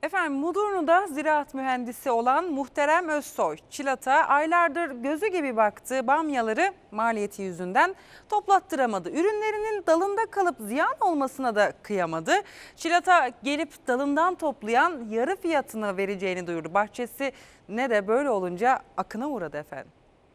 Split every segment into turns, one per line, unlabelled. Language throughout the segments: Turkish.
Efendim Mudurnu'da ziraat mühendisi olan Muhterem Özsoy, Çılat'a aylardır gözü gibi baktığı bamyaları maliyeti yüzünden toplattıramadı. Ürünlerinin dalında kalıp ziyan olmasına da kıyamadı. Çılat'a gelip dalından toplayan yarı fiyatını vereceğini duyurdu. Bahçesi ne de böyle olunca akına uğradı efendim.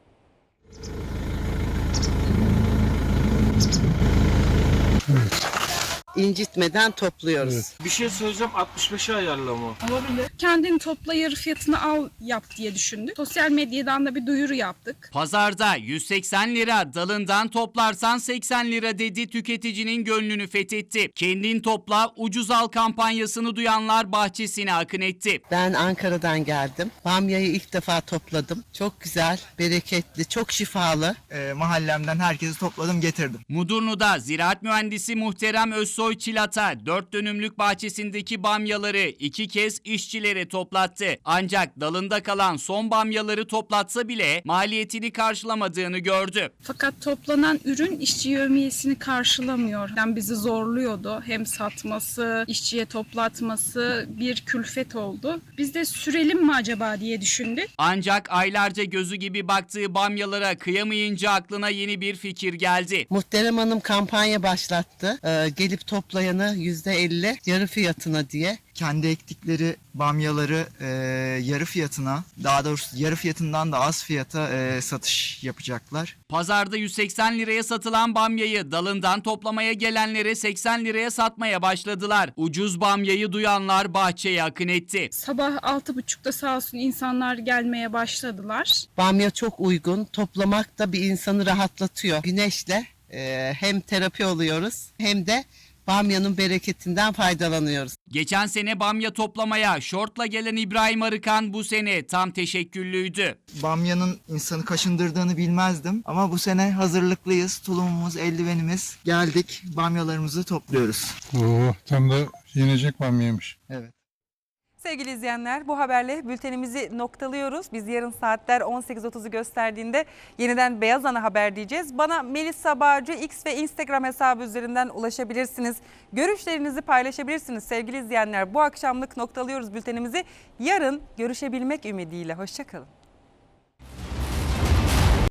İncitmeden topluyoruz.
Evet.
Bir şey söyleyeceğim, 65'e ayarlama.
Kendin topla yarı fiyatını al yap diye düşündük. Sosyal medyadan da bir duyuru yaptık.
Pazarda 180 lira, dalından toplarsan 80 lira dedi, tüketicinin gönlünü fethetti. Kendin topla, ucuz al kampanyasını duyanlar bahçesine akın etti.
Ben Ankara'dan geldim. Bamyayı ilk defa topladım. Çok güzel, bereketli, çok şifalı.
Mahallemden herkesi topladım, getirdim.
Mudurnu'da ziraat mühendisi Muhterem Özsoy Çılat'a 4 dönümlük bahçesindeki bamyaları 2 kez işçilere toplattı. Ancak dalında kalan son bamyaları toplatsa bile maliyetini karşılamadığını gördü.
Fakat toplanan ürün işçi yevmiyesini karşılamıyor. Yani bizi zorluyordu. Hem satması, işçiye toplatması bir külfet oldu. Biz de sürelim mi acaba diye düşündük.
Ancak aylarca gözü gibi baktığı bamyalara kıyamayınca aklına yeni bir fikir geldi.
Muhterem Hanım kampanya başlattı. Gelip toplayanı %50 yarı fiyatına diye.
Kendi ektikleri bamyaları yarı fiyatına, daha doğrusu yarı fiyatından da az fiyata satış yapacaklar.
Pazarda 180 liraya satılan bamyayı dalından toplamaya gelenlere 80 liraya satmaya başladılar. Ucuz bamyayı duyanlar bahçeye akın etti.
Sabah 6.30'da sağ olsun insanlar gelmeye başladılar.
Bamya çok uygun. Toplamak da bir insanı rahatlatıyor. Güneşle hem terapi oluyoruz hem de bamyanın bereketinden faydalanıyoruz.
Geçen sene bamya toplamaya şortla gelen İbrahim Arıkan bu sene tam teşekküllüydü.
Bamyanın insanı kaşındırdığını bilmezdim ama bu sene hazırlıklıyız. Tulumumuz, eldivenimiz, geldik, bamyalarımızı topluyoruz.
Oo, tam da yenecek bamyaymış.
Evet.
Sevgili izleyenler, bu haberle bültenimizi noktalıyoruz. Biz yarın saatler 18.30'u gösterdiğinde yeniden Beyaz Ana Haber diyeceğiz. Bana Melisa Bağcı X ve Instagram hesabı üzerinden ulaşabilirsiniz. Görüşlerinizi paylaşabilirsiniz sevgili izleyenler. Bu akşamlık noktalıyoruz bültenimizi. Yarın görüşebilmek ümidiyle. Hoşça kalın.